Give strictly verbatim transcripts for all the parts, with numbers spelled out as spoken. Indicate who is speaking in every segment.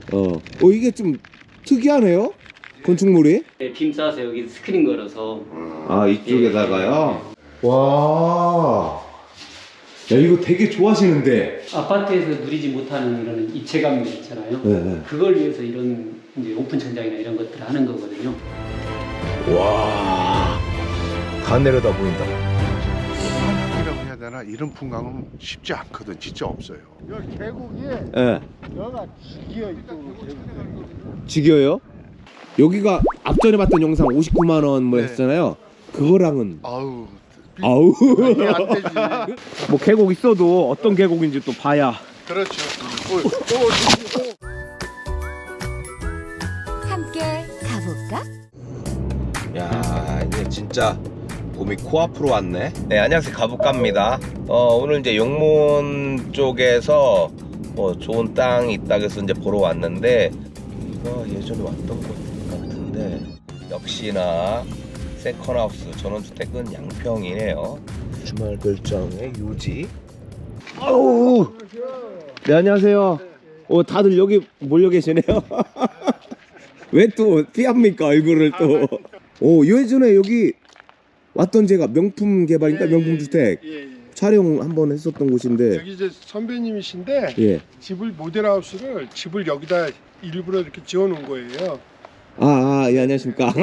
Speaker 1: 어, 어 이게 좀 특이하네요. 건축물이.
Speaker 2: 네, 빔 쌓아서 여기 스크린 걸어서.
Speaker 1: 아 이쪽에다가요. 와. 야 이거 되게 좋아하시는데.
Speaker 2: 아파트에서 누리지 못하는 이런 입체감 있잖아요.
Speaker 1: 네, 네.
Speaker 2: 그걸 위해서 이런 이제 오픈 천장이나 이런 것들을 하는 거거든요.
Speaker 1: 와. 다 내려다 보인다.
Speaker 3: 풍광이라고 해야 되나? 이런 풍광은 쉽지 않거든. 진짜 없어요. 여기 계곡이
Speaker 1: 예.
Speaker 3: 여기가 지기어 이쪽으로 계곡이.
Speaker 1: 지겨요? 여기가 앞전에 봤던 영상 오십구만 원 뭐
Speaker 3: 네.
Speaker 1: 했잖아요. 그거랑은
Speaker 3: 아우. 비-
Speaker 1: 아우.
Speaker 3: 이게 안 되지.
Speaker 1: 뭐 계곡 있어도 어떤 계곡인지 또 봐야.
Speaker 3: 그렇죠. 어, 어, 어.
Speaker 4: 함께 가볼까?
Speaker 1: 야 이제 진짜 봄이 코앞으로 왔네. 네 안녕하세요, 가볼까입니다. 어 오늘 이제 용문 쪽에서 뭐 좋은 땅이 있다 해서 이제 보러 왔는데, 이거 예전에 왔던 것 같은데 역시나 세컨하우스 전원주택은 양평이네요. 주말 별장의 유지. 아우. 네 안녕하세요. 어 다들 여기 몰려 계시네요. 왜 또 피합니까 얼굴을 또. 오 예전에 여기 왔던 제가 명품 개발인가
Speaker 3: 예,
Speaker 1: 명품 주택
Speaker 3: 예, 예.
Speaker 1: 촬영 한번 했었던 곳인데.
Speaker 3: 여기 이제 선배님이신데
Speaker 1: 예.
Speaker 3: 집을 모델하우스를 집을 여기다 일부러 이렇게 지어 놓은 거예요.
Speaker 1: 아, 아, 예, 안녕하십니까.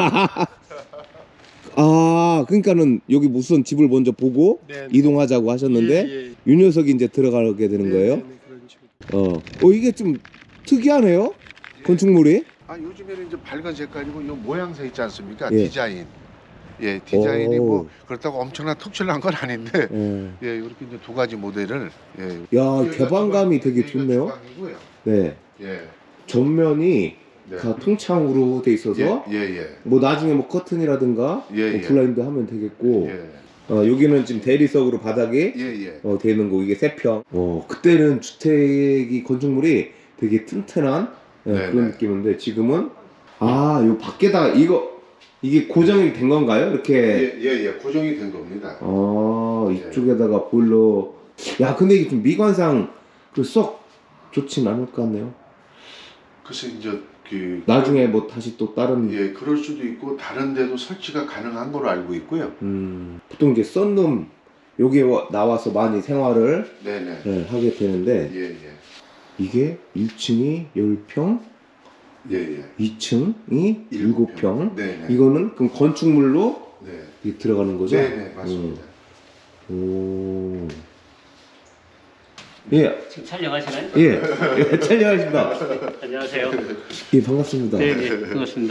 Speaker 1: 아, 그러니까는 여기 우선 집을 먼저 보고
Speaker 3: 네, 네.
Speaker 1: 이동하자고 하셨는데
Speaker 3: 예, 예.
Speaker 1: 이 녀석이 이제 들어가게 되는
Speaker 3: 네,
Speaker 1: 거예요.
Speaker 3: 네, 네, 그런 식으로.
Speaker 1: 어, 어 이게 좀 특이하네요. 건축물이.
Speaker 3: 아 요즘에는 이제 밝은 색깔이고 이 모양새 있지 않습니까?
Speaker 1: 예.
Speaker 3: 디자인. 예, 디자인이
Speaker 1: 오.
Speaker 3: 뭐 그렇다고 엄청난 특출난 건 아닌데,
Speaker 1: 예.
Speaker 3: 예, 이렇게 이제 두 가지 모델을. 예.
Speaker 1: 야,
Speaker 3: 여기가
Speaker 1: 개방감이
Speaker 3: 주방,
Speaker 1: 되게
Speaker 3: 여기가
Speaker 1: 좋네요.
Speaker 3: 주방이고요.
Speaker 1: 네.
Speaker 3: 예.
Speaker 1: 전면이
Speaker 3: 네.
Speaker 1: 다 통창으로 돼 있어서
Speaker 3: 예, 예, 예.
Speaker 1: 뭐 나중에 뭐 커튼이라든가
Speaker 3: 예,
Speaker 1: 뭐
Speaker 3: 예.
Speaker 1: 블라인드 하면 되겠고.
Speaker 3: 예.
Speaker 1: 어, 여기는 지금 대리석으로 바닥에
Speaker 3: 예, 예.
Speaker 1: 어, 되는 거 이게 세 평. 어, 그때는 주택이 건축물이 되게 튼튼한 예,
Speaker 3: 네,
Speaker 1: 그런
Speaker 3: 네.
Speaker 1: 느낌인데 지금은 아, 요 밖에다가 이거 이게 고정이 된 건가요? 이렇게.
Speaker 3: 예, 예, 예. 고정이 된 겁니다.
Speaker 1: 아, 이쪽에다가 보일러. 야, 근데 이게 좀 미관상 그 썩 좋진 않을 것 같네요.
Speaker 3: 그래서 이제 그
Speaker 1: 나중에 뭐 다시 또 다른.
Speaker 3: 예, 그럴 수도 있고 다른 데도 설치가 가능한 걸로 알고 있고요.
Speaker 1: 음, 보통 이제 썬룸 여기에 와- 나와서 많이 생활을
Speaker 3: 네, 네.
Speaker 1: 예, 하게 되는데
Speaker 3: 예, 예.
Speaker 1: 이게 일 층이 십 평,
Speaker 3: 예, 예.
Speaker 1: 이 층이 일곱 평.
Speaker 3: 네, 네.
Speaker 1: 이거는 그럼 건축물로
Speaker 3: 네.
Speaker 1: 이게 들어가는 거죠?
Speaker 3: 네, 네, 맞습니다.
Speaker 1: 음. 오. 예,
Speaker 2: 지금 촬영하시나요?
Speaker 1: 예, 예, 촬영하십니다.
Speaker 2: 안녕하세요.
Speaker 1: 예, 반갑습니다.
Speaker 2: 네, 네, 반갑습니다.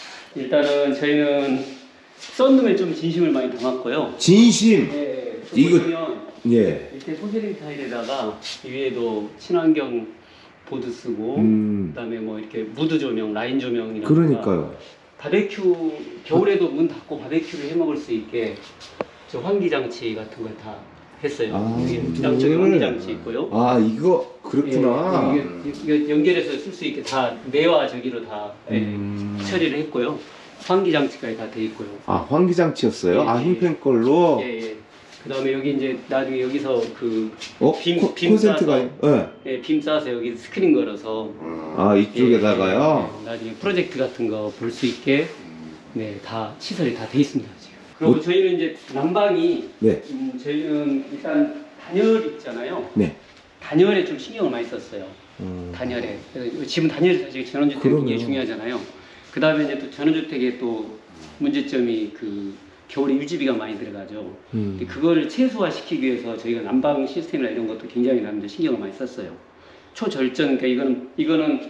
Speaker 2: 일단은 저희는 썬룸에 좀 진심을 많이 담았고요.
Speaker 1: 진심.
Speaker 2: 네,
Speaker 1: 이거-
Speaker 2: 보시면
Speaker 1: 예.
Speaker 2: 밑에 포세린 타일에다가 위에도 친환경 보드 쓰고,
Speaker 1: 음.
Speaker 2: 그다음에 뭐 이렇게 무드 조명, 라인 조명이라든가.
Speaker 1: 그러니까요.
Speaker 2: 바베큐 겨울에도 문 닫고 바베큐를 해 먹을 수 있게 저 환기 장치 같은 걸 다 했어요.
Speaker 1: 아,
Speaker 2: 여기
Speaker 1: 무드를.
Speaker 2: 양쪽에 환기 장치 있고요.
Speaker 1: 아, 이거 그렇구나.
Speaker 2: 예, 이게, 이게 연결해서 쓸 수 있게 다 내와 저기로 다 예,
Speaker 1: 음.
Speaker 2: 처리를 했고요. 환기 장치까지 다 돼 있고요.
Speaker 1: 아, 환기 장치였어요?
Speaker 2: 예,
Speaker 1: 아,
Speaker 2: 예.
Speaker 1: 흰펜 걸로.
Speaker 2: 예, 예. 그다음에 여기 이제 나중에 여기서 그
Speaker 1: 어,
Speaker 2: 빔-
Speaker 1: 코,
Speaker 2: 빔
Speaker 1: 콘센트가.
Speaker 2: 싸서.
Speaker 1: 예.
Speaker 2: 예, 빔 쌓아서 여기 스크린 걸어서
Speaker 1: 아, 이쪽에다가요.
Speaker 2: 예, 예, 나중에 프로젝트 같은 거 볼 수 있게 네, 다 시설이 다 돼 있습니다, 지금. 그리고
Speaker 1: 뭐-
Speaker 2: 저희는 이제 난방이
Speaker 1: 네.
Speaker 2: 음, 저희는 일단 단열 있잖아요.
Speaker 1: 네.
Speaker 2: 단열에 좀 신경을 많이 썼어요.
Speaker 1: 음.
Speaker 2: 단열에. 그래서 지금 단열이 사실 전원주택
Speaker 1: 그러네요.
Speaker 2: 굉장히 중요하잖아요. 그 다음에 이제 또 전원주택의 또 문제점이 그 겨울에 유지비가 많이 들어가죠.
Speaker 1: 음.
Speaker 2: 근데 그걸 최소화시키기 위해서 저희가 난방 시스템이나 이런 것도 굉장히 남들 신경을 많이 썼어요. 초절전, 그러니까 이거는 이거는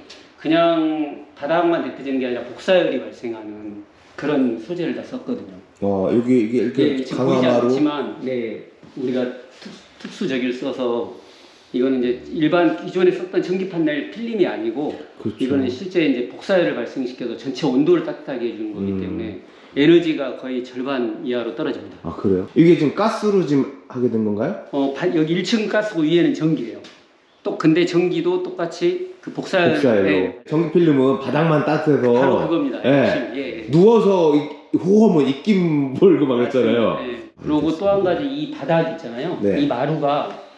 Speaker 2: 그냥 바닥만 데펴지는 게 아니라 복사열이 발생하는 그런 소재를 다 썼거든요.
Speaker 1: 어, 여기 이게 이렇게
Speaker 2: 네, 지금 보이지
Speaker 1: 강화마루.
Speaker 2: 않지만, 네, 우리가 특, 특수저기를 써서 이거는 이제 일반 기존에 썼던 전기 판넬 필름이 아니고
Speaker 1: 그렇죠.
Speaker 2: 이거는 실제 이제 복사열을 발생시켜서 전체 온도를 따뜻하게 해주는 거기
Speaker 1: 음.
Speaker 2: 때문에 에너지가 거의 절반 이하로 떨어집니다.
Speaker 1: 아, 그래요? 이게 지금 가스로 지금 하게 된 건가요?
Speaker 2: 어, 바- 여기 일 층 가스고 위에는 전기예요. 또 근데 전기도 똑같이 그 복사열,
Speaker 1: 복사예요.
Speaker 2: 네,
Speaker 1: 전기 필름은 바닥만 따뜻해서.
Speaker 2: 바로 그겁니다.
Speaker 1: 예.
Speaker 2: 핵심, 예, 예.
Speaker 1: 누워서 이- 호흡은 입김 몰고 막 했잖아요.
Speaker 2: 네. 그리고 또 한 가지 이 바닥 있잖아요.
Speaker 1: 네.
Speaker 2: 이 마루가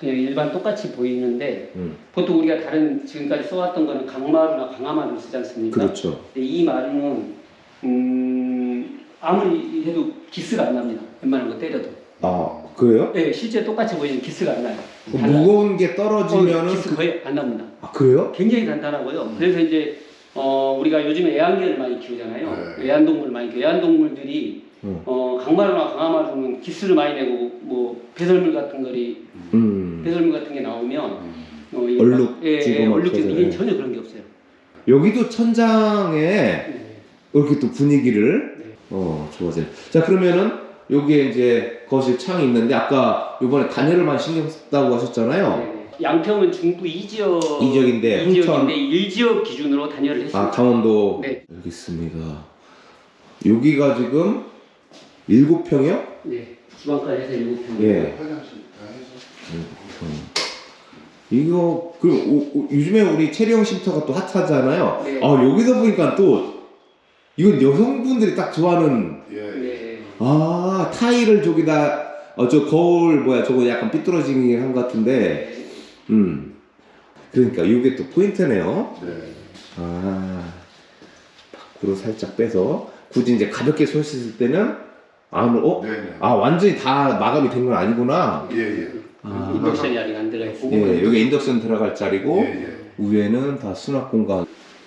Speaker 2: 그냥 일반 똑같이 보이는데
Speaker 1: 음.
Speaker 2: 보통 우리가 다른 지금까지 써왔던 거는 강마루나 강화마루를 쓰지 않습니까?
Speaker 1: 그렇죠.
Speaker 2: 근데 이 마루는 음, 아무리 해도 기스가 안 납니다. 웬만한 거 때려도.
Speaker 1: 아 그래요?
Speaker 2: 네, 실제 똑같이 보이는 기스가 안 나요.
Speaker 1: 그 무거운 게 떨어지면은
Speaker 2: 어, 기스
Speaker 1: 그...
Speaker 2: 거의 안 납니다.
Speaker 1: 아 그래요?
Speaker 2: 굉장히 단단하고요. 그래서 이제 어, 우리가 요즘에 애완개를 많이 키우잖아요.
Speaker 3: 네.
Speaker 2: 애완동물 많이 키워. 애완동물들이
Speaker 1: 음.
Speaker 2: 어, 강마루나 강화마루는 기스를 많이 내고 뭐 배설물 같은 거리
Speaker 1: 음.
Speaker 2: 배설물 같은 게 나오면 어, 이
Speaker 1: 얼룩
Speaker 2: 막- 예,
Speaker 1: 지고
Speaker 2: 예,
Speaker 1: 막
Speaker 2: 얼룩 지고
Speaker 1: 그러잖아요.
Speaker 2: 이게 전혀 그런 게 없어요.
Speaker 1: 여기도 천장에
Speaker 2: 네.
Speaker 1: 이렇게 또 분위기를
Speaker 2: 네.
Speaker 1: 어 좋아져요. 자 그러면은 여기에 이제 거실 창이 있는데 아까 요번에 단열을만 신경 썼다고 하셨잖아요.
Speaker 2: 네. 양평은 중부 이 지역
Speaker 1: 이 지역인데
Speaker 2: 이
Speaker 1: 흥천
Speaker 2: 지역인데 일 지역 기준으로 단열을 했습니다.
Speaker 1: 아 강원도
Speaker 2: 네.
Speaker 1: 알겠습니다. 여기가 지금 일곱 평이요?
Speaker 2: 네. 주방까지 해서 일곱 평.
Speaker 1: 예.
Speaker 3: 화장실 다 해서.
Speaker 1: 일곱 평. 이거 그 오- 오- 요즘에 우리 체리형 쉼터가 또 핫하잖아요.
Speaker 2: 네.
Speaker 1: 아 여기서 보니까 또 이건 여성분들이 딱 좋아하는
Speaker 3: 예.
Speaker 2: 네.
Speaker 1: 아 타일을 저기다 어 저 거울 뭐야 저거 약간 삐뚤어지긴 한 것 같은데
Speaker 2: 네.
Speaker 1: 음 그러니까 이게 또 포인트네요.
Speaker 3: 네.
Speaker 1: 아 밖으로 살짝 빼서 굳이 이제 가볍게 손 씻을 때는 안으로 어?
Speaker 3: 네네.
Speaker 1: 아 완전히 다 마감이 된 건 아니구나.
Speaker 3: 예, 예.
Speaker 1: 아.
Speaker 2: 인덕션이 아직 안 들어가 있습니다.
Speaker 1: 예, 여기 인덕션 들어갈 자리고
Speaker 3: 예, 예.
Speaker 1: 위에는 다 수납 공간.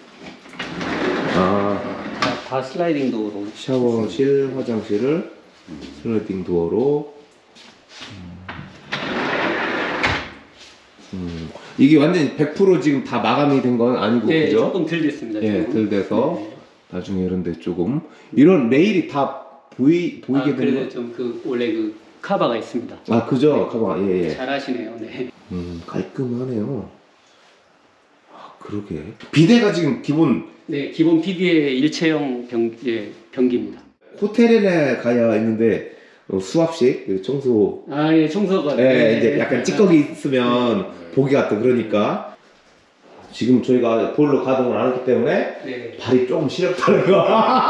Speaker 1: 아
Speaker 2: 다, 다 슬라이딩 도어로.
Speaker 1: 샤워실, 화장실을 슬라이딩 도어로. 음, 이게 완전히 백 퍼센트 지금 다 마감이 된 건 아니고
Speaker 2: 네,
Speaker 1: 그죠?
Speaker 2: 조금 덜 됐습니다.
Speaker 1: 예,
Speaker 2: 지금.
Speaker 1: 덜 돼서
Speaker 2: 네.
Speaker 1: 나중에 이런데 조금 이런 레일이 다 보이 보이게
Speaker 2: 아,
Speaker 1: 되는
Speaker 2: 그래도 좀 그 원래 그 카바가 있습니다.
Speaker 1: 거. 아 그죠? 가만 예 예.
Speaker 2: 잘하시네요. 네.
Speaker 1: 음 깔끔하네요. 아 그러게. 비대가 지금 기본
Speaker 2: 네, 기본 피디의 일체형 변, 예, 변기입니다.
Speaker 1: 호텔에 가야 있는데 어, 수압식 그리고 청소.
Speaker 2: 아, 예, 청소가.
Speaker 1: 예,
Speaker 2: 네.
Speaker 1: 이제 약간 찌꺼기 있으면 보기 같다 그러니까 지금 저희가 볼로 가동을 안 했기 때문에
Speaker 2: 네.
Speaker 1: 발이 조금 시렵다는 거.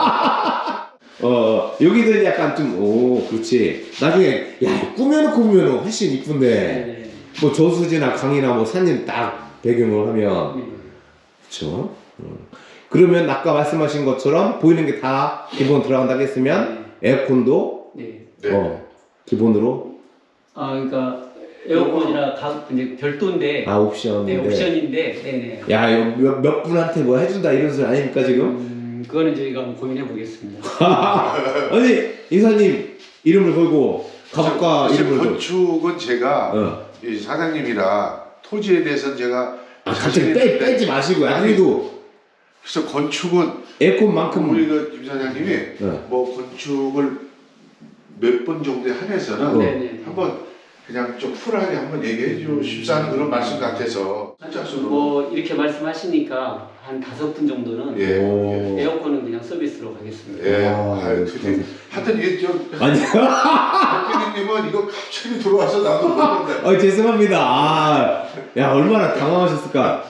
Speaker 1: 어 여기는 약간 좀 오 그렇지. 나중에 야 꾸며놓고 보면 훨씬 이쁜데
Speaker 2: 네.
Speaker 1: 뭐 저수지나 강이나 뭐 산림 딱 배경을 하면
Speaker 2: 네.
Speaker 1: 그렇죠. 음. 그러면 아까 말씀하신 것처럼 보이는 게 다 기본 들어간다고 했으면 에어컨도
Speaker 2: 네.
Speaker 3: 네.
Speaker 1: 어 기본으로
Speaker 2: 아, 그러니까 에어컨이나 각 이제 별도인데.
Speaker 1: 아 옵션인데.
Speaker 2: 네, 옵션인데. 네, 네.
Speaker 1: 야, 이거 몇, 몇 분한테 뭐 해준다 이런 소리 아닙니까, 지금?
Speaker 2: 음, 그거는 저희가 한번 고민해 보겠습니다.
Speaker 1: 아니, 이사님 이름을 걸고, 가족과
Speaker 3: 사실
Speaker 1: 이름을 걸고.
Speaker 3: 건축은 제가
Speaker 1: 어.
Speaker 3: 이 사장님이라 토지에 대해서는 제가
Speaker 1: 아, 갑자기
Speaker 3: 자신이
Speaker 1: 빼,
Speaker 3: 있는데
Speaker 1: 빼지 마시고요.
Speaker 3: 아니,
Speaker 1: 아무래도
Speaker 3: 그래서 건축은
Speaker 1: 에어컨만큼.
Speaker 3: 우리 그김 사장님이
Speaker 1: 네.
Speaker 3: 뭐 건축을 몇 번 정도에 한해서는
Speaker 1: 어.
Speaker 2: 네네.
Speaker 3: 한번 그냥 좀 쿨하게 한번 얘기해 주고 싶사는 그런 말씀 같아서 짝수로
Speaker 2: 뭐 이렇게 말씀하시니까 한 다섯 분 정도는
Speaker 3: 예.
Speaker 1: 오.
Speaker 2: 에어컨은 그냥 서비스로 가겠습니다.
Speaker 3: 예.
Speaker 1: 아,
Speaker 3: 아유,
Speaker 1: 네.
Speaker 3: 투지. 하여튼 이게 좀
Speaker 1: 아니,
Speaker 3: 박근혜님은 이거 갑자기 들어와서 나도 모르는데
Speaker 1: 어, 죄송합니다. 아, 야, 얼마나 당황하셨을까.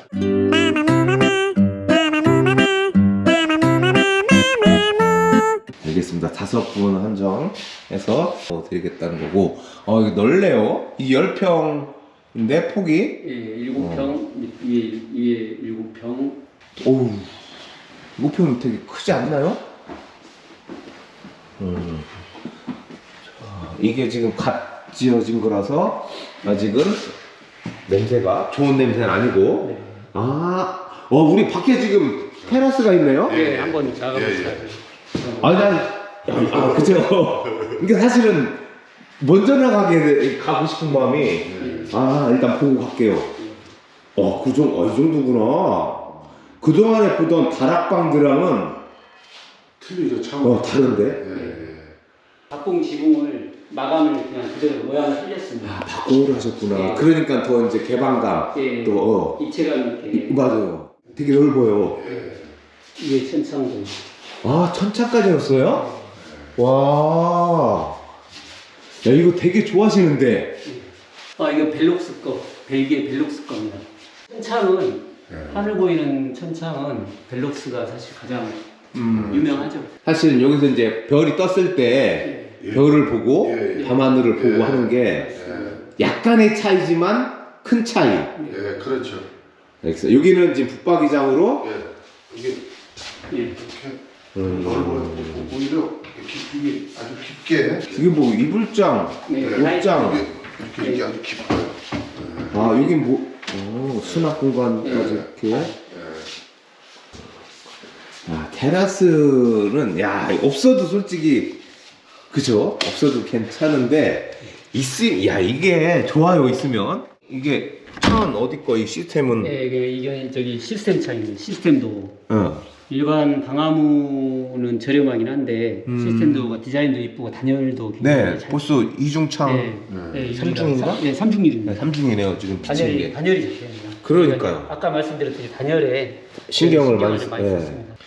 Speaker 1: 알겠습니다. 다섯 분 한정해서 어, 드리겠다는 거고. 어, 이거 넓네요. 이 열 평인데 폭이.
Speaker 2: 예, 일곱 평 위에 위에 일곱 평.
Speaker 1: 오우, 목표는 되게 크지 않나요? 음. 자, 이게 지금 갓 지어진 거라서 아직은 냄새가 좋은 냄새는 아니고.
Speaker 2: 네.
Speaker 1: 아, 어, 우리 밖에 지금 테라스가 있네요?
Speaker 3: 예.
Speaker 2: 네, 한번 나가보시죠.
Speaker 3: 예, 예.
Speaker 1: 아니, 난, 아, 그죠. 그러니까 사실은 먼저 나가게, 가고 싶은 마음이, 아, 일단 보고 갈게요. 어, 그 정도, 어, 이 정도구나. 그동안에 보던 다락방들랑은,
Speaker 3: 틀리죠 참.
Speaker 1: 어, 다른데?
Speaker 3: 예.
Speaker 2: 박공 지붕을 마감을 그냥 그대로 모양을 살렸습니다.
Speaker 1: 바꾸를 하셨구나.
Speaker 2: 예.
Speaker 1: 그러니까 더 이제 개방감,
Speaker 2: 예,
Speaker 1: 또, 어,
Speaker 2: 입체감 있게
Speaker 1: 맞아요. 되게 넓어요.
Speaker 3: 예.
Speaker 2: 위에 천창도.
Speaker 1: 아, 천차까지였어요? 와. 야, 이거 되게 좋아하시는데.
Speaker 2: 아, 이거 벨록스 거, 벨기에 벨록스 겁니다. 천창은
Speaker 3: 예.
Speaker 2: 하늘 보이는 천창은 벨록스가 사실 가장
Speaker 1: 음.
Speaker 2: 유명하죠.
Speaker 1: 사실은 여기서 이제 별이 떴을 때
Speaker 2: 예.
Speaker 3: 예.
Speaker 1: 별을 보고
Speaker 3: 예, 예.
Speaker 1: 밤하늘을 보고
Speaker 3: 예.
Speaker 1: 하는 게
Speaker 3: 예.
Speaker 1: 약간의 차이지만 큰 차이.
Speaker 3: 예, 그렇죠.
Speaker 1: 알겠어요. 여기는 지금 붙박이장으로
Speaker 3: 예, 이게
Speaker 2: 예.
Speaker 3: 이렇게
Speaker 1: 음.
Speaker 3: 넓어요. 오히려 깊- 이게 아주 깊게
Speaker 1: 이게 뭐 이불장,
Speaker 2: 네.
Speaker 1: 옷장.
Speaker 3: 이게 이렇게 이게 아주 깊어요.
Speaker 1: 아 여긴 뭐 어, 수납 공간까지 이렇게.
Speaker 3: 예.
Speaker 1: 아 테라스는 야 없어도 솔직히 그죠? 없어도 괜찮은데 있음 야 이게 좋아요 있으면 이게 천 어디 거 이 시스템은
Speaker 2: 네, 이게, 이게 저기 시스템 차이입니다. 시스템도
Speaker 1: 어.
Speaker 2: 일반 방화무는 저렴하긴 한데
Speaker 1: 음.
Speaker 2: 시스템도 디자인도 이쁘고 단열도 굉장히
Speaker 1: 네
Speaker 2: 잘.
Speaker 1: 벌써 이중창
Speaker 2: 네, 네,
Speaker 1: 삼중인가?
Speaker 2: 삼- 네, 삼중률입니다.
Speaker 1: 네, 삼중이네요 지금 비치는
Speaker 2: 단열이
Speaker 1: 게
Speaker 2: 단열이 좋습니다.
Speaker 1: 그러니까요.
Speaker 2: 아까 말씀드렸듯이 단열에
Speaker 1: 신경을 많이
Speaker 2: 좀
Speaker 1: 쓰-
Speaker 2: 많이
Speaker 1: 네.
Speaker 2: 썼습니다.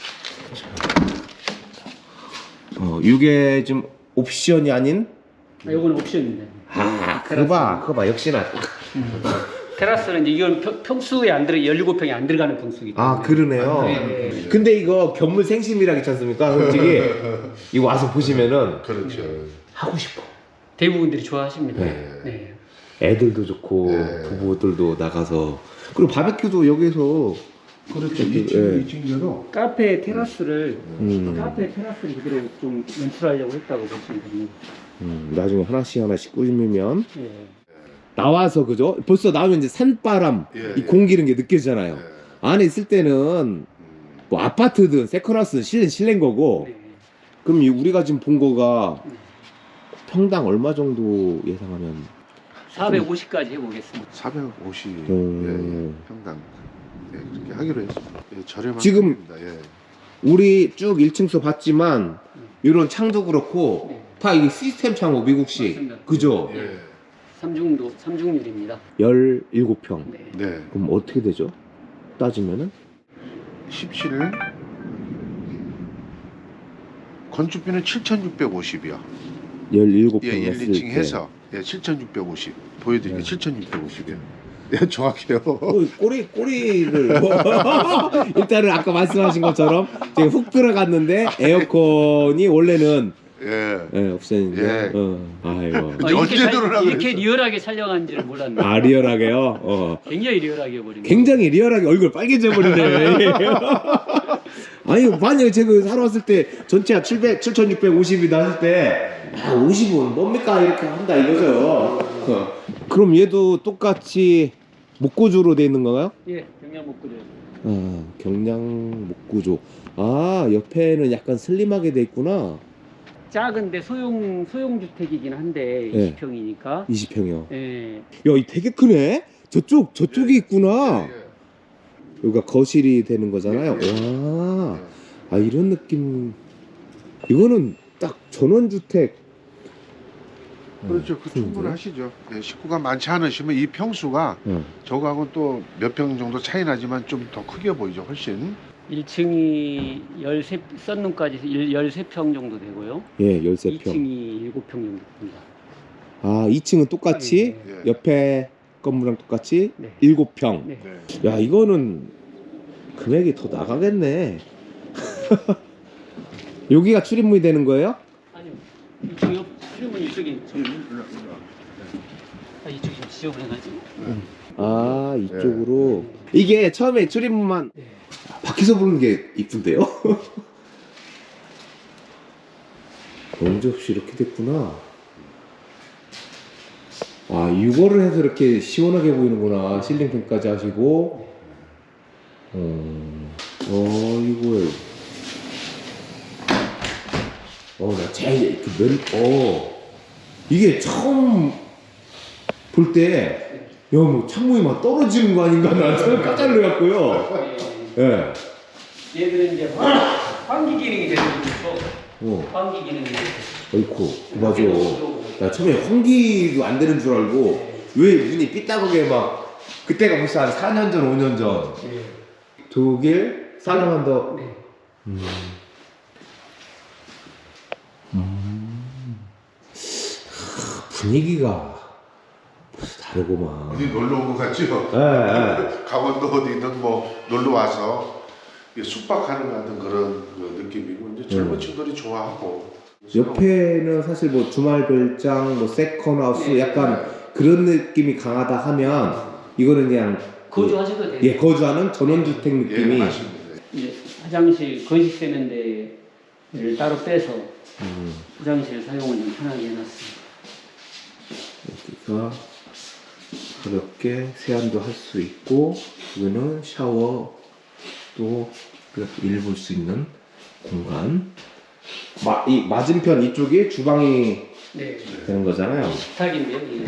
Speaker 1: 어 이게 좀 옵션이 아닌
Speaker 2: 아, 요거는 옵션입니다.
Speaker 1: 아 그거 봐 그거 봐 역시나
Speaker 2: 테라스는 이제 이건 평- 평수에 안 들어 열일곱 평에 안 들어가는 평수기 때문에.
Speaker 1: 아 그러네요.
Speaker 2: 네, 네.
Speaker 1: 근데 이거 견물 생심이라 있지 않습니까? 솔직히 이거 와서 보시면은
Speaker 3: 그렇죠.
Speaker 1: 하고 싶어.
Speaker 2: 대부분들이 좋아하십니다.
Speaker 1: 네.
Speaker 2: 네.
Speaker 1: 애들도 좋고
Speaker 3: 네.
Speaker 1: 부부들도 나가서 그리고 바베큐도 여기서
Speaker 3: 그렇죠.
Speaker 1: 이
Speaker 3: 이 층,
Speaker 1: 예.
Speaker 3: 이 층대로
Speaker 2: 카페 테라스를
Speaker 1: 음,
Speaker 2: 카페 테라스를 그대로 좀 연출하려고 했다고 보시면 됩니다.
Speaker 1: 음, 나중에 하나씩 하나씩 꾸미면
Speaker 2: 예.
Speaker 1: 나와서 그죠? 벌써 나오면 이제 산바람
Speaker 3: 예,
Speaker 1: 이
Speaker 3: 예.
Speaker 1: 공기 이런 게 느껴지잖아요.
Speaker 3: 예.
Speaker 1: 안에 있을 때는
Speaker 3: 음,
Speaker 1: 뭐 아파트든 세컨하우스든 실내 실내인 거고
Speaker 2: 네.
Speaker 1: 그럼 이 우리가 지금 본 거가
Speaker 2: 네.
Speaker 1: 평당 얼마 정도 예상하면
Speaker 2: 사백오십까지 해보겠습니다.
Speaker 3: 사백오십
Speaker 1: 음.
Speaker 3: 예, 평당 예, 그렇게 하기로 했습니다. 예, 저렴한
Speaker 1: 지금
Speaker 3: 편입니다. 예.
Speaker 1: 우리 쭉 일 층수 봤지만 이런 창도 그렇고
Speaker 2: 네.
Speaker 1: 다 이게 시스템 창고 미국식
Speaker 2: 맞습니다.
Speaker 1: 그죠?
Speaker 3: 예.
Speaker 2: 삼중도 삼중률입니다.
Speaker 1: 열일곱 평
Speaker 2: 네.
Speaker 3: 네.
Speaker 1: 그럼 어떻게 되죠? 따지면은
Speaker 3: 십칠 건축비는 칠천육백오십이요.
Speaker 1: 열일곱
Speaker 3: 예,
Speaker 1: 평
Speaker 3: 일,
Speaker 1: 했을
Speaker 3: 이 층
Speaker 1: 때
Speaker 3: 해서 예, 칠천육백오십 보여드릴게요.
Speaker 1: 네.
Speaker 3: 칠천육백오십이요. 예, 정확해요.
Speaker 1: 어, 꼬리 꼬리를 일단은 아까 말씀하신 것처럼 제가 훅 들어갔는데 에어컨이 원래는
Speaker 3: 예.
Speaker 1: 예, 옵션인데
Speaker 3: 예.
Speaker 1: 어, 아이고
Speaker 2: 어,
Speaker 3: 언제
Speaker 2: 이렇게, 잘-
Speaker 3: 들어오라고
Speaker 2: 이렇게
Speaker 3: 그랬어?
Speaker 2: 리얼하게 촬영한지를 몰랐네.
Speaker 1: 아 리얼하게요? 어.
Speaker 2: 굉장히 리얼하게 해버린 거.
Speaker 1: 굉장히 리얼하게 얼굴 빨개져 버리네. 아니 만약에 제가 사러 왔을 때 전체가 칠백, 칠천육백오십이다 했을 때 아, 오십은 뭡니까 이렇게 한다 이거죠. 어. 그럼 얘도 똑같이 목구조로 돼 있는 건가요?
Speaker 2: 예, 경량 목구조.
Speaker 1: 아, 경량 목구조. 아 옆에는 약간 슬림하게 돼 있구나.
Speaker 2: 작은데 소형 소형 주택이긴 한데
Speaker 1: 예.
Speaker 2: 이십 평이니까.
Speaker 1: 이십 평이요.
Speaker 2: 예.
Speaker 1: 야, 이 되게 크네. 저쪽 저쪽이 있구나.
Speaker 3: 예,
Speaker 1: 여기가 거실이 되는 거잖아요.
Speaker 3: 예.
Speaker 1: 와, 아 이런 느낌. 이거는 딱 전원주택.
Speaker 3: 그렇죠. 그 충분하시죠. 예, 식구가 많지 않으시면 이 평수가
Speaker 1: 어.
Speaker 3: 저거하고 또 몇 평 정도 차이 나지만 좀 더 크게 보이죠. 훨씬.
Speaker 2: 일 층이 열세 썬룸까지 열세 평 정도 되고요.
Speaker 1: 예, 열세 평.
Speaker 2: 이 층이 일곱 평 정도 됩니다.
Speaker 1: 아, 이 층은 똑같이
Speaker 3: 예.
Speaker 1: 옆에 건물랑 똑같이
Speaker 2: 네.
Speaker 1: 일곱 평.
Speaker 2: 네.
Speaker 3: 네.
Speaker 1: 야, 이거는 금액이 더 나가겠네. 여기가 출입문이 되는 거예요?
Speaker 2: 아니요. 이쪽 옆 출입문 이쪽이 좀 아, 이쪽이 좀 지저분해가지고.
Speaker 1: 아, 이쪽으로. 이게 처음에 출입문만
Speaker 2: 네.
Speaker 1: 밖에서 보는 게 이쁜데요? 언제 없이 이렇게 됐구나. 아, 이거를 해서 이렇게 시원하게 보이는구나. 실링팬까지 하시고. 어, 어, 이걸. 어, 나 제일, 그 면, 어. 이게 처음 볼 때, 야, 뭐 창문이 막 떨어지는 거 아닌가? 나 처음 깜짝 놀랐고요. 예.
Speaker 2: 얘들은 이제 환- 환기 기능이 되는 거죠.
Speaker 1: 어,
Speaker 2: 환기 기능이.
Speaker 1: 어이쿠, 맞아. 나 처음에 환기도 안 되는 줄 알고, 왜 문이 삐딱하게 막, 그때가 벌써 한 사 년 전, 오 년 전.
Speaker 2: 네.
Speaker 1: 독일, 살라만더.
Speaker 2: 네.
Speaker 1: 음. 음. 분위기가 벌써 다르구만.
Speaker 3: 어디 놀러 온 것 같죠?
Speaker 1: 예, 예.
Speaker 3: 강원도 어디든 뭐 놀러 와서 숙박하는 것 같은 그런 그 느낌이고 이제 젊은
Speaker 1: 음.
Speaker 3: 친구들이 좋아하고
Speaker 1: 옆에는 사실 뭐 주말 별장, 뭐 세컨하우스
Speaker 2: 네.
Speaker 1: 약간 그런 느낌이 강하다 하면 이거는 그냥
Speaker 2: 거주하셔도 돼요.
Speaker 1: 예 거주하는 전원주택
Speaker 3: 예,
Speaker 1: 느낌이
Speaker 3: 맞습니다.
Speaker 2: 이제 화장실 건식 세면대를 따로 빼서
Speaker 1: 음,
Speaker 2: 화장실 사용을 좀 편하게 해놨습니다.
Speaker 1: 여기가 가볍게 세안도 할 수 있고 여기는 샤워 또 일 볼 수 있는 공간. 마, 이 맞은편 이쪽이 주방이
Speaker 2: 네.
Speaker 1: 되는 거잖아요.
Speaker 2: 식탁인데요. 이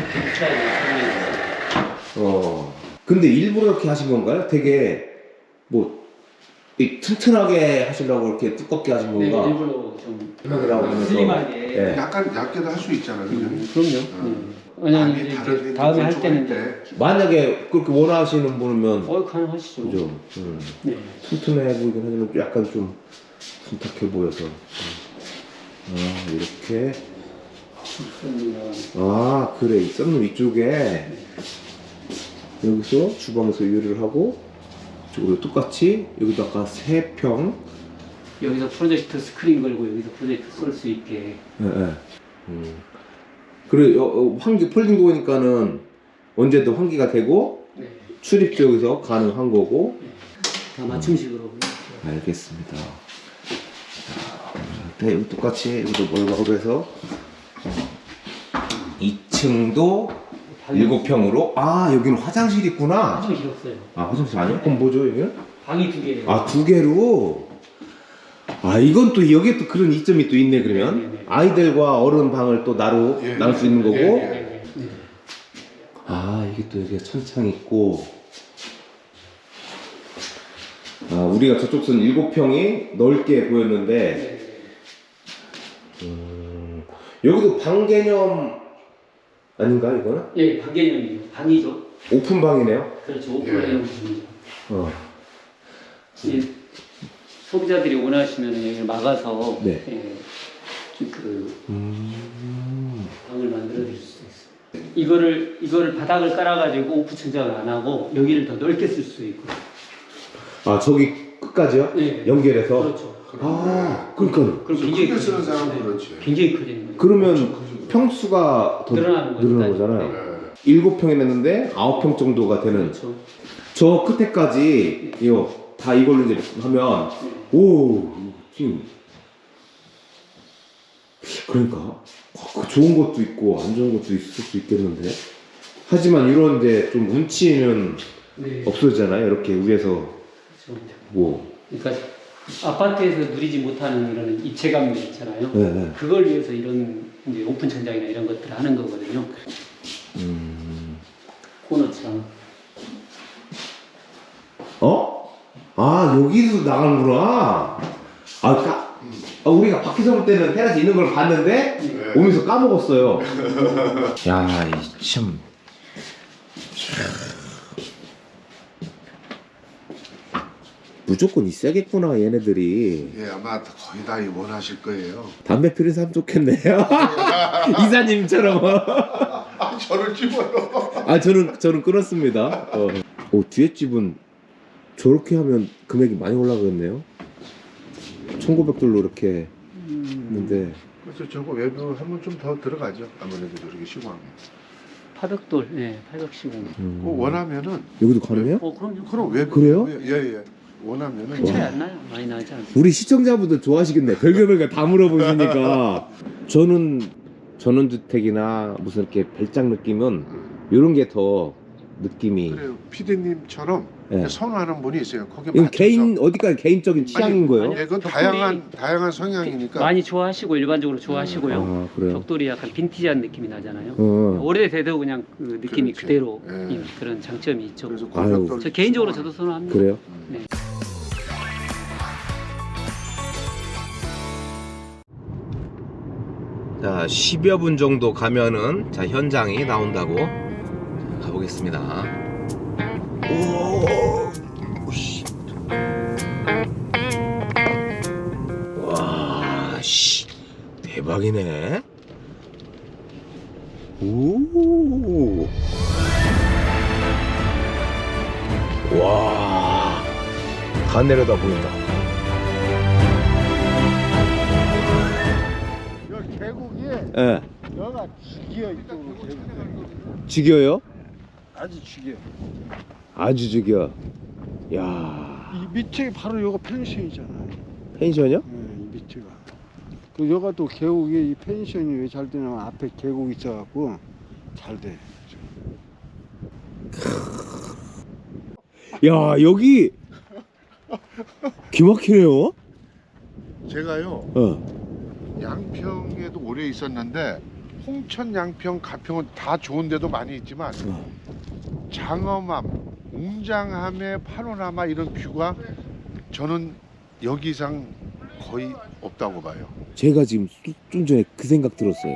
Speaker 2: 식탁이
Speaker 1: 어. 근데 일부러 이렇게 하신 건가요? 되게 뭐 이 튼튼하게 하시려고 이렇게 두껍게 하신
Speaker 2: 네,
Speaker 1: 건가?
Speaker 2: 일부러 좀
Speaker 1: 그러라고 하면서
Speaker 2: 슬림하게.
Speaker 1: 예.
Speaker 3: 약간 얇게도 할 수 있잖아요. 그죠?
Speaker 2: 음, 그럼요.
Speaker 3: 어.
Speaker 2: 네. 왜냐면
Speaker 3: 아니,
Speaker 2: 이제
Speaker 3: 다른
Speaker 2: 이제 다음에 할 때는 이제
Speaker 3: 때
Speaker 1: 만약에 그렇게 원하시는 분이면
Speaker 2: 어 가능하시죠.
Speaker 1: 그죠? 음.
Speaker 2: 네.
Speaker 1: 튼튼해 보이긴 하지만 약간 좀 둔탁해 보여서 음. 아 이렇게
Speaker 2: 좋습니다.
Speaker 1: 아 그래 이 썬룸 위쪽에 여기서 주방에서 요리를 하고 이쪽으로 똑같이 여기다가 세 평
Speaker 2: 여기서 프로젝트 스크린 걸고 여기서 프로젝트 쏠 수 있게.
Speaker 1: 예, 예. 음. 그리고 여- 어, 환기 폴딩 도어니까는 언제든 환기가 되고
Speaker 2: 네.
Speaker 1: 출입도 여기서 가능한 거고.
Speaker 2: 다 맞춤식으로.
Speaker 1: 알겠습니다. 네, 여기 똑같이 여기도 멀고 해서 이 층도 일곱 평으로 아 여기는 화장실 있구나.
Speaker 2: 화장실 없어요.
Speaker 1: 아 화장실 아니야? 그럼 뭐죠 여기는?
Speaker 2: 방이 두 개예요.
Speaker 1: 아 두 개로. 아 이건 또 여기에 또 그런 이점이 또 있네 그러면.
Speaker 2: 네, 네, 네.
Speaker 1: 아이들과 어른 방을 또 나로
Speaker 3: 예,
Speaker 1: 나눌 수 있는 거고.
Speaker 3: 예, 예.
Speaker 2: 네, 네, 네.
Speaker 1: 아 이게 또 여기가 천창 있고. 아 우리가 저쪽 선 일곱 평이 넓게 보였는데
Speaker 2: 네.
Speaker 1: 음, 여기도 방 개념 아닌가 이거는?
Speaker 2: 예, 방 개념이죠. 방이죠.
Speaker 1: 오픈 방이네요.
Speaker 2: 그렇죠. 오픈형
Speaker 3: 예.
Speaker 2: 방이죠.
Speaker 1: 어.
Speaker 2: 예, 소비자들이 원하시면 여기를 막아서
Speaker 1: 네.
Speaker 2: 예, 그
Speaker 1: 음.
Speaker 2: 방을 만들어 드릴 수 있어요. 이거를 이거를 바닥을 깔아가지고 오프 천장을 안 하고 여기를 더 넓게 쓸 수 있고.
Speaker 1: 아 저기 끝까지요?
Speaker 2: 네.
Speaker 1: 연결해서.
Speaker 2: 그렇죠.
Speaker 1: 아 그러니까
Speaker 2: 그럼
Speaker 3: 크게 쓰는
Speaker 2: 커지-
Speaker 3: 사람은
Speaker 2: 네,
Speaker 3: 그렇지.
Speaker 2: 굉장히 커지는 거죠.
Speaker 1: 그러면 평수가 더
Speaker 2: 늘어나는 거죠.
Speaker 1: 늘어나는 거잖아요.
Speaker 3: 예.
Speaker 1: 일곱 평이 냈는데 아홉 평 정도가 되는.
Speaker 2: 그렇죠.
Speaker 1: 저 끝에까지 이거 다 이걸로 이제 하면 오 지금 그러니까 어, 좋은 것도 있고 안 좋은 것도 있을 수 있겠는데 하지만 이런 이제 좀 운치는
Speaker 2: 네.
Speaker 1: 없어지잖아요. 이렇게 위에서
Speaker 2: 그렇죠.
Speaker 1: 뭐
Speaker 2: 그러니까 아파트에서 누리지 못하는 이런 입체감들 있잖아요.
Speaker 1: 네, 네.
Speaker 2: 그걸 위해서 이런 이제 오픈 천장이나 이런 것들을 하는 거거든요.
Speaker 1: 음.
Speaker 2: 코너처럼.
Speaker 1: 어? 아 여기서 나가는구나. 아, 까, 아 우리가 밖에서 볼 때는 테라스 있는 걸 봤는데
Speaker 3: 네.
Speaker 1: 오면서 까먹었어요. 야, 이 참. 무조건 있어야겠구나 얘네들이.
Speaker 3: 예, 아마 거의 다 원하실 거예요.
Speaker 1: 담배 피는 사람 좋겠네요. 이사님처럼.
Speaker 3: 아, 저를 집어요.
Speaker 1: 아 저는 저는 끊었습니다. 어. 오 뒤에 집은 저렇게 하면 금액이 많이 올라가겠네요. 천구백 돌로 이렇게 했는데
Speaker 3: 그래서 저거 외부 하면 좀 더 들어가죠. 아무래도 저렇게 시공하면.
Speaker 2: 팔백 돌, 예, 팔백십오.
Speaker 1: 음.
Speaker 3: 그 원하면은
Speaker 1: 여기도 가능해요?
Speaker 2: 어, 그럼요.
Speaker 3: 그럼 외부
Speaker 1: 그래요?
Speaker 3: 예예. 예. 원하면은
Speaker 2: 큰 차이 안 나요. 많이 나지 않아요.
Speaker 1: 우리 시청자분들 좋아하시겠네. 별별 별걸 다 물어보시니까. 저는 전원주택이나 무슨 이렇게 별장 느낌은 이런 게 더 느낌이.
Speaker 3: 그래요. 피디님처럼
Speaker 1: 예.
Speaker 3: 선호하는 분이 있어요. 거기
Speaker 1: 이건
Speaker 3: 맞춰서.
Speaker 1: 개인 어디까지 개인적인 취향인 거예요?
Speaker 3: 예, 그건
Speaker 2: 벽돌이-
Speaker 3: 다양한 다양한 성향이니까.
Speaker 2: 많이 좋아하시고 일반적으로 좋아하시고요.
Speaker 1: 아 그래요.
Speaker 2: 벽돌이 약간 빈티지한 느낌이 나잖아요.
Speaker 1: 어.
Speaker 2: 오래돼도 그냥 그 느낌이
Speaker 3: 그렇지.
Speaker 2: 그대로
Speaker 3: 예.
Speaker 2: 인 그런 장점이 있죠.
Speaker 3: 그래서
Speaker 1: 아유.
Speaker 3: 골격돌
Speaker 2: 저 개인적으로 저도 선호합니다.
Speaker 1: 그래요?
Speaker 2: 네.
Speaker 1: 자, 십여 분 정도 가면은 자, 현장이 나온다고. 자, 가보겠습니다. 오! 오씨. 와, 씨. 대박이네. 오! 와. 다 내려다 보인다.
Speaker 3: 여기 계곡이
Speaker 1: 예.
Speaker 3: 여기가 지기어 이쪽으로 계곡이.
Speaker 1: 죽여요?
Speaker 5: 아주 죽여.
Speaker 1: 아주 죽여. 야,
Speaker 5: 이 밑에 바로 여가 펜션이잖아.
Speaker 1: 펜션이요?
Speaker 5: 네, 이 밑에가. 그 여가 또 계곡이 이 펜션이 왜 잘 되냐면 앞에 계곡 있어갖고 잘 돼.
Speaker 1: 야, 여기 기막히네요.
Speaker 3: 제가요
Speaker 1: 어.
Speaker 3: 양평에도 오래 있었는데 홍천, 양평, 가평은 다 좋은 데도 많이 있지만 장엄함, 웅장함의 파노라마 이런 뷰가 저는 여기 이상 거의 없다고 봐요.
Speaker 1: 제가 지금 수- 좀 전에 그 생각 들었어요.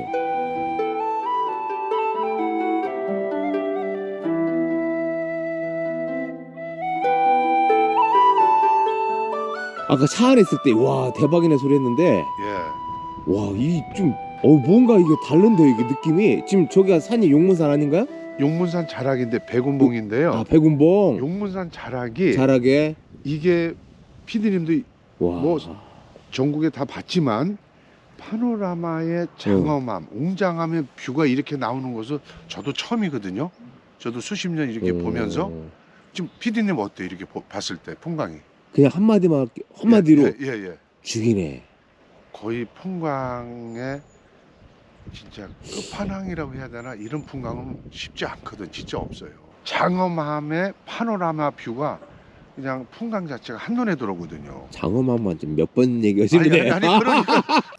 Speaker 1: 아까 차 안에 있을 때 와 대박이네 소리 했는데
Speaker 3: 예.
Speaker 1: 와 이 좀 어 뭔가 이게 다른데 이게 느낌이 지금 저기가 산이 용문산 아닌가요?
Speaker 3: 용문산 자락인데 백운봉인데요.
Speaker 1: 아 백운봉
Speaker 3: 용문산 자락이
Speaker 1: 잘하게
Speaker 3: 이게 피디님도
Speaker 1: 와
Speaker 3: 뭐 전국에 다 봤지만 파노라마의 장엄함, 웅장함의 뷰가 이렇게 나오는 것은 저도 처음이거든요. 저도 수십 년 이렇게
Speaker 1: 음,
Speaker 3: 보면서 지금 피디님 어때 이렇게 보- 봤을 때 풍광이?
Speaker 1: 그냥 한마디만 할게 한마디로
Speaker 3: 예, 예, 예.
Speaker 1: 죽이네.
Speaker 3: 거의 풍광의 진짜 끝판왕이라고 해야 되나 이런 풍광은 쉽지 않거든. 진짜 없어요. 장엄함의 파노라마 뷰가 그냥 풍광 자체가 한눈에 들어오거든요.
Speaker 1: 장엄한만 지금 몇 번 얘기하시는
Speaker 3: 아니,
Speaker 1: 데
Speaker 3: 아니, 아니 그러니까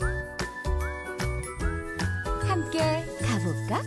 Speaker 4: 함께 가볼까?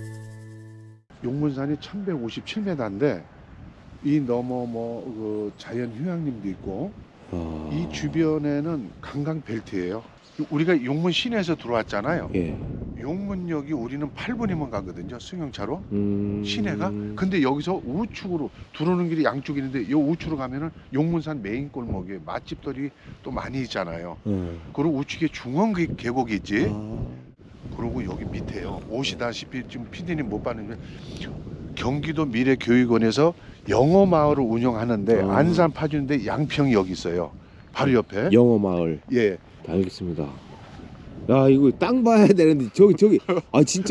Speaker 3: 용문산이 천백오십칠 미터인데 이 넘어 뭐 그 자연 휴양림도 있고
Speaker 1: 아...
Speaker 3: 이 주변에는 관광 벨트예요. 우리가 용문 시내에서 들어왔잖아요.
Speaker 1: 예.
Speaker 3: 용문역이 우리는 팔 분이면 가거든요. 승용차로
Speaker 1: 음...
Speaker 3: 시내가. 근데 여기서 우측으로 들어오는 길이 양쪽이 있는데 이 우측으로 가면은 용문산 메인 골목에 맛집들이 또 많이 있잖아요.
Speaker 1: 어.
Speaker 3: 그리고 우측에 중원 그 계곡이 있지.
Speaker 1: 아...
Speaker 3: 그리고 여기 밑에요. 오시다시피 지금 피디님 못 봤는데 경기도 미래교육원에서 영어 마을을 운영하는데
Speaker 1: 아.
Speaker 3: 안산 파주인데 양평이 여기 있어요. 바로 옆에.
Speaker 1: 영어 마을.
Speaker 3: 예.
Speaker 1: 알겠습니다. 야 이거 땅 봐야 되는데 저기 저기 아 진짜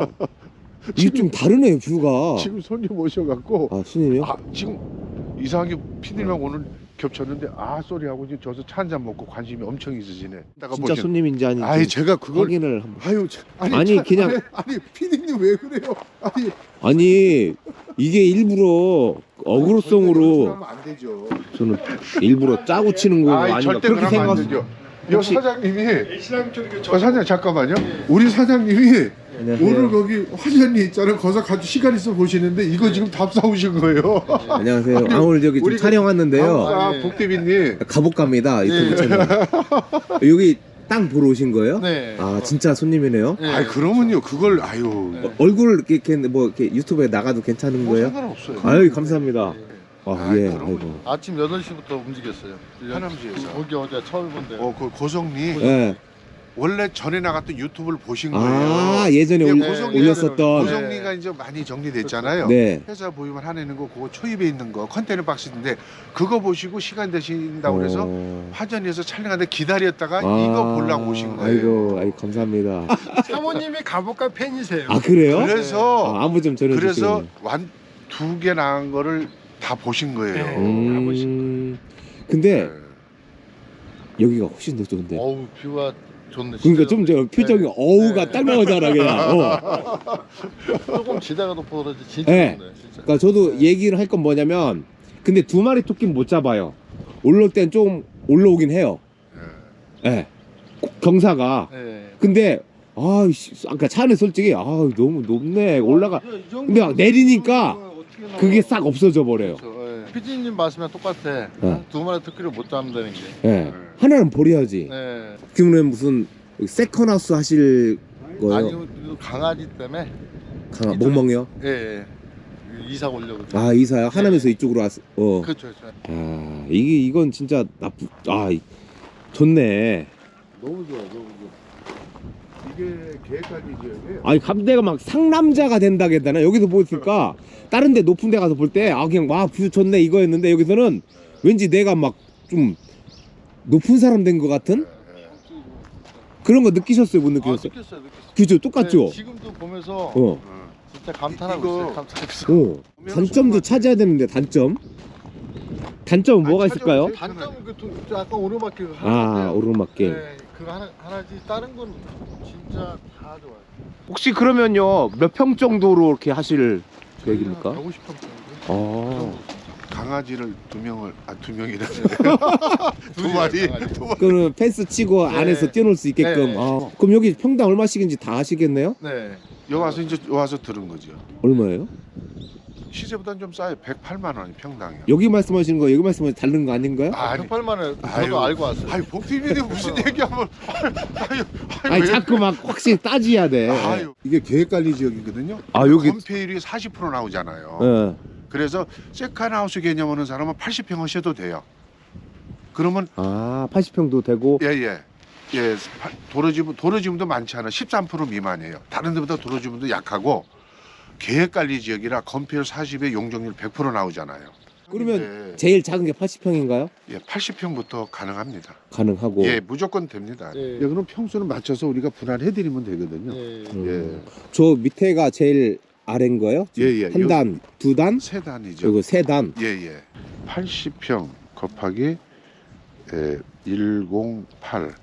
Speaker 1: 이게 좀 다르네 뷰가.
Speaker 3: 지금 손님 오셔갖고
Speaker 1: 아 스님이요?
Speaker 3: 아, 지금 이상하게 피디님하고 오늘 겹쳤는데 아 소리 하고 지금 저서 차 한잔 먹고 관심이 엄청 있으시네. 이따가
Speaker 1: 진짜
Speaker 3: 보시면-
Speaker 1: 손님인지 아닌지
Speaker 3: 아니 제가 그걸
Speaker 1: 확인을 한번.
Speaker 3: 아유 참, 아니,
Speaker 1: 아니,
Speaker 3: 참,
Speaker 1: 그냥-
Speaker 3: 아니, 아니 피디님 왜 그래요? 아니
Speaker 1: 아니 이게 일부러 어그로성으로
Speaker 3: 하면 안 되죠.
Speaker 1: 저는 일부러 짜고 치는 거
Speaker 3: 아니,
Speaker 1: 아닌가
Speaker 3: 절대
Speaker 1: 그렇게
Speaker 3: 그러면 안
Speaker 1: 생각하세요.
Speaker 3: 되죠. 여
Speaker 1: 혹시-
Speaker 3: 사장님이 어, 사장님 잠깐만요. 우리 사장님이
Speaker 1: 안녕하세요.
Speaker 3: 오늘 거기 화전이 있잖아요. 거기서 가지고 시간 있어 보시는데 이거 지금 답 사오신 거예요.
Speaker 1: 안녕하세요. 아 오늘 여기 좀
Speaker 3: 우리
Speaker 1: 촬영 왔는데요.
Speaker 3: 아, 복대비님.
Speaker 1: 가복갑니다 유튜브 채널. 여기 땅 보러 오신 거예요?
Speaker 6: 네.
Speaker 1: 아 진짜 손님이네요.
Speaker 6: 네.
Speaker 3: 아이 그러면요 그걸 아유
Speaker 1: 어, 얼굴 이렇게, 이렇게 뭐 이렇게 유튜브에 나가도 괜찮은
Speaker 3: 뭐
Speaker 1: 거예요?
Speaker 3: 상관없어요.
Speaker 1: 아유 감사합니다. 아
Speaker 3: 아이,
Speaker 1: 예.
Speaker 3: 그럼-
Speaker 1: 아이고.
Speaker 6: 아침 여덟 시부터 움직였어요.
Speaker 3: 하남시에서.
Speaker 6: 거기 어제 처음 본데.
Speaker 3: 어, 그 고성리
Speaker 1: 예.
Speaker 3: 원래 전에 나갔던 유튜브를 보신 거예요.
Speaker 1: 아 예전에
Speaker 3: 예,
Speaker 1: 올,
Speaker 3: 고성리-
Speaker 1: 올렸었던.
Speaker 3: 고성리가 이제 많이 정리됐잖아요.
Speaker 1: 네.
Speaker 3: 회사 보유만 하나 있는 거 그거 초입에 있는 거 컨테이너 박스인데 그거 보시고 시간 되신다고 그래서
Speaker 1: 어.
Speaker 3: 화전에서 촬영하는데 기다렸다가
Speaker 1: 아,
Speaker 3: 이거 보려고 오신 거예요.
Speaker 1: 아이고, 아이고 감사합니다.
Speaker 6: 사모님이 가볼까 팬이세요.
Speaker 1: 아 그래요?
Speaker 3: 그래서
Speaker 1: 아, 안부 좀 전해주시고.
Speaker 3: 그래서 완 두 개 나온 거를 다 보신 거예요.
Speaker 6: 네.
Speaker 1: 음. 근데
Speaker 3: 네.
Speaker 1: 여기가 훨씬 더 좋은데.
Speaker 6: 어우 뷰가 좋네.
Speaker 1: 그러니까
Speaker 6: 진짜.
Speaker 1: 좀 저 표정이
Speaker 6: 네.
Speaker 1: 어우가
Speaker 6: 네.
Speaker 1: 딱 나오잖아 그냥. 어.
Speaker 6: 조금 지대가 높아 그러지 진짜
Speaker 1: 네.
Speaker 6: 좋네. 진짜.
Speaker 1: 그러니까 저도 얘기를 할 건 뭐냐면, 근데 두 마리 토끼는 못 잡아요. 올라올 땐 좀 올라오긴 해요. 예. 네. 경사가.
Speaker 6: 네.
Speaker 1: 근데 아, 아까 차는 솔직히 아 너무 높네 올라가.
Speaker 6: 이 정도
Speaker 1: 근데 막 내리니까
Speaker 6: 어떻게 나와?
Speaker 1: 그게 싹 없어져 버려요.
Speaker 6: 그렇죠. 예. 피디님 말씀이랑 똑같아.
Speaker 1: 네.
Speaker 6: 두 마리 토끼를 못 잡는다는 게.
Speaker 1: 예. 하나는 버려야지.
Speaker 6: 네.
Speaker 1: 그러면 무슨 세컨하우스 하실 거예요?
Speaker 6: 아니면 그 강아지 때문에.
Speaker 1: 강아, 멍멍이요?
Speaker 6: 예. 예. 이사 오려고.
Speaker 1: 아 이사요? 하나면서 이쪽으로 왔어. 어.
Speaker 6: 그렇죠. 그렇죠.
Speaker 1: 아 이게 이건 진짜 나쁘. 아 이- 좋네.
Speaker 3: 너무 좋아, 너무 좋아. 이게 계획까지 지역이에요.
Speaker 1: 아니 감대가 막 상남자가 된다고 했나 여기서 보니까 다른 데 높은 데 가서 볼 때 아 그냥 와 뷰 좋네 이거였는데 여기서는 왠지 내가 막 좀 높은 사람 된 것 같은 그런 거 느끼셨어요? 못
Speaker 6: 아,
Speaker 1: 느끼셨어요?
Speaker 6: 느꼈어요. 느꼈어요.
Speaker 1: 그죠? 똑같죠?
Speaker 6: 네, 지금도 보면서
Speaker 1: 어.
Speaker 3: 어.
Speaker 6: 진짜 감탄하고
Speaker 3: 이거-
Speaker 6: 있어요. 감탄하고 있어요.
Speaker 1: 오, 단점도 찾아야 되는데 단점? 단점은 뭐가
Speaker 3: 찾아보세요.
Speaker 1: 있을까요?
Speaker 6: 단점은 그 도- 저 아까 오르막길
Speaker 1: 아,
Speaker 6: 하나인데요.
Speaker 1: 오르막길.
Speaker 6: 네, 그거 하나 하나지 다른 건 진짜 다 좋아요.
Speaker 1: 혹시 그러면요 몇 평 정도로 이렇게 하실 계획입니까?
Speaker 6: 백오십 평 정도.
Speaker 1: 아,
Speaker 3: 강아지를 두 명을 아 두 명이라 두
Speaker 6: 둘이요,
Speaker 3: 마리
Speaker 6: 강아지.
Speaker 3: 두 마리.
Speaker 1: 그러면 펜스 치고
Speaker 6: 네.
Speaker 1: 안에서 뛰어놀 수 있게끔.
Speaker 6: 네.
Speaker 1: 아, 그럼 여기 평당 얼마씩인지 다 하시겠네요?
Speaker 6: 네.
Speaker 3: 여기 와서 이제 여기 와서 들은 거죠.
Speaker 1: 얼마예요?
Speaker 3: 시세보다는 좀 싸요. 백팔만 원이 평당이요.
Speaker 1: 여기 말씀하시는 거 여기 말씀하시는 다른 거 아닌가요?
Speaker 3: 아니,
Speaker 6: 백팔만 원 저도
Speaker 3: 아유.
Speaker 6: 알고 왔어요.
Speaker 3: 아유 복티비님 무슨 얘기하면 아유 아유
Speaker 1: 아니
Speaker 3: 왜
Speaker 1: 자꾸 막 확실히 따져야 돼.
Speaker 3: 아유 이게 계획관리 지역이거든요.
Speaker 1: 아, 여기-
Speaker 3: 건폐율이 사십 퍼센트 나오잖아요.
Speaker 1: 예.
Speaker 3: 그래서 세컨하우스 개념 오는 사람은 팔십 평 하셔도 돼요. 그러면
Speaker 1: 아, 팔십 평도 되고.
Speaker 3: 예예 예, 파- 도로지분 도로지분도 많지 않아 십삼 퍼센트 미만이에요. 다른 데보다 도로지분도 약하고 계획관리 지역이라 건폐율 사십에 용적률 백 퍼센트 나오잖아요.
Speaker 1: 그러면
Speaker 3: 네.
Speaker 1: 제일 작은 게 팔십 평인가요?
Speaker 3: 예, 팔십 평부터 가능합니다.
Speaker 1: 가능하고.
Speaker 3: 예, 무조건 됩니다.
Speaker 6: 네.
Speaker 3: 여기는 평수는 맞춰서 우리가 분할해드리면 되거든요.
Speaker 6: 네.
Speaker 1: 음. 저 밑에가 제일 아래인 거예요?
Speaker 3: 예, 예.
Speaker 1: 한 단, 두 단,
Speaker 3: 세 단이죠.
Speaker 1: 그리고 세 단.
Speaker 3: 예, 예. 팔십 평 곱하기 에, 백팔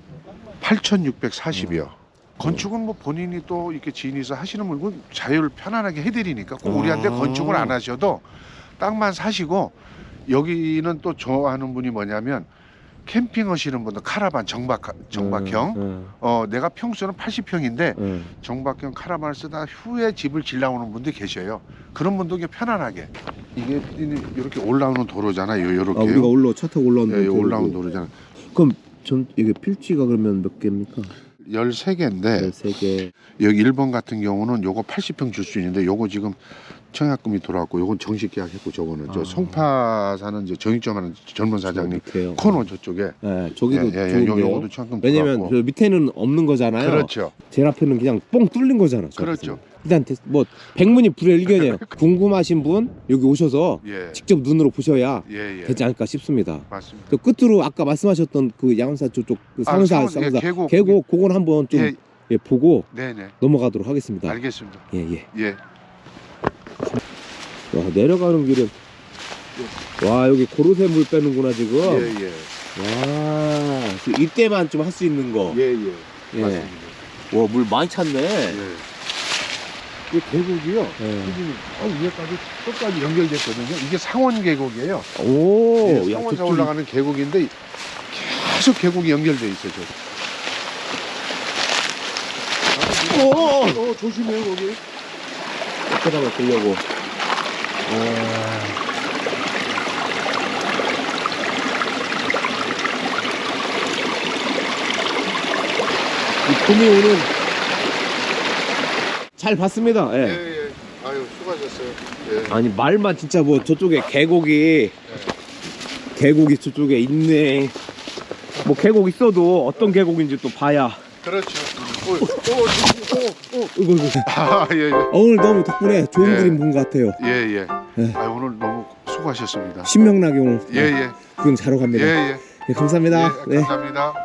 Speaker 3: 팔천육백사십이요. 건축은 뭐 본인이 또 이렇게 지인이서 하시는 물건 자율 편안하게 해드리니까 꼭 우리한테
Speaker 1: 아.
Speaker 3: 건축을 안 하셔도 땅만 사시고 여기는 또 좋아하는 분이 뭐냐면 캠핑 하시는 분들 카라반 정박 정박형
Speaker 1: 음,
Speaker 3: 어 내가 평수는 팔십 평인데
Speaker 1: 음,
Speaker 3: 정박형 카라반을 쓰다 후에 집을 질러오는 분들이 계셔요. 그런 분도 그냥 편안하게 이게 이렇게 올라오는 도로잖아요. 이렇게
Speaker 1: 아, 우리가 올라 차 타고 올라오는
Speaker 3: 예,
Speaker 1: 도로고.
Speaker 3: 올라오는 도로잖아.
Speaker 1: 그럼 전 이게 필지가 그러면 몇 개입니까?
Speaker 3: 열세 개인데
Speaker 1: 열세 개.
Speaker 3: 여기 일 번 같은 경우는 요거 팔십 평 줄 수 있는데 요거 지금 청약금이 들어왔고 요건 정식 계약했고 저거는 저
Speaker 1: 아.
Speaker 3: 송파 사는 이제 정육점하는 젊은 사장님
Speaker 1: 밑에요.
Speaker 3: 코너 저쪽에
Speaker 1: 예, 저기도
Speaker 3: 예, 예, 요,
Speaker 1: 좋은데요.
Speaker 3: 요거도 청약금
Speaker 1: 왜냐면
Speaker 3: 들어왔고.
Speaker 1: 저 밑에는 없는 거잖아요.
Speaker 3: 그렇죠.
Speaker 1: 제일 앞에는 그냥 뻥 뚫린 거잖아. 저
Speaker 3: 그렇죠.
Speaker 1: 앞에서는. 일단 대- 뭐 백문이 불여일견이에요. 궁금하신 분 여기 오셔서
Speaker 3: 예.
Speaker 1: 직접 눈으로 보셔야
Speaker 3: 예, 예.
Speaker 1: 되지 않을까 싶습니다.
Speaker 3: 맞습니다.
Speaker 1: 그 끝으로 아까 말씀하셨던 그 양사 저쪽 그
Speaker 3: 아,
Speaker 1: 상사
Speaker 3: 상사, 예,
Speaker 1: 상사
Speaker 3: 계곡.
Speaker 1: 계곡 그건 한번 좀
Speaker 3: 예,
Speaker 1: 예, 보고
Speaker 3: 네, 네.
Speaker 1: 넘어가도록 하겠습니다.
Speaker 3: 알겠습니다.
Speaker 1: 예, 예.
Speaker 3: 예.
Speaker 1: 와, 내려가는 길에 와, 여기 고로쇠 물 빼는구나 지금.
Speaker 3: 예, 예.
Speaker 1: 와, 그 이때만 좀 할 수 있는 거.
Speaker 3: 예, 예.
Speaker 1: 예.
Speaker 3: 맞습니다.
Speaker 1: 와, 물 많이 찼네.
Speaker 3: 예. 이 계곡이요.
Speaker 1: 예.
Speaker 3: 수준이 어, 위에까지 끝까지 연결됐거든요. 이게 상원 계곡이에요.
Speaker 1: 오,
Speaker 3: 예,
Speaker 1: 야,
Speaker 3: 상원사
Speaker 1: 저쪽이-
Speaker 3: 올라가는 계곡인데 계속 계곡이 연결돼 있어요. 저.
Speaker 1: 오,
Speaker 3: 어, 조심해요 거기.
Speaker 1: 잠깐만 보려고. 이 봄이 오는 잘 봤습니다. 예.
Speaker 3: 예, 예. 아유, 수고하셨어요. 예.
Speaker 1: 아니 말만 진짜 뭐 저쪽에 계곡이 계곡이 저쪽에 있네. 뭐 계곡 있어도 어떤 계곡인지 또 봐야.
Speaker 3: 그렇죠. 오, 오, 오, 오, 오.
Speaker 1: 이거 이거.
Speaker 3: 아, 예, 예.
Speaker 1: 오늘 너무 덕분에 좋은
Speaker 3: 예.
Speaker 1: 그림 본 것 같아요.
Speaker 3: 예, 예.
Speaker 1: 예.
Speaker 3: 아, 오늘 너무 수고하셨습니다.
Speaker 1: 신명나게 오늘
Speaker 3: 예, 예.
Speaker 1: 구경 자러 갑니다.
Speaker 3: 예, 예.
Speaker 1: 예, 감사합니다.
Speaker 3: 예,
Speaker 1: 네.
Speaker 3: 감사합니다.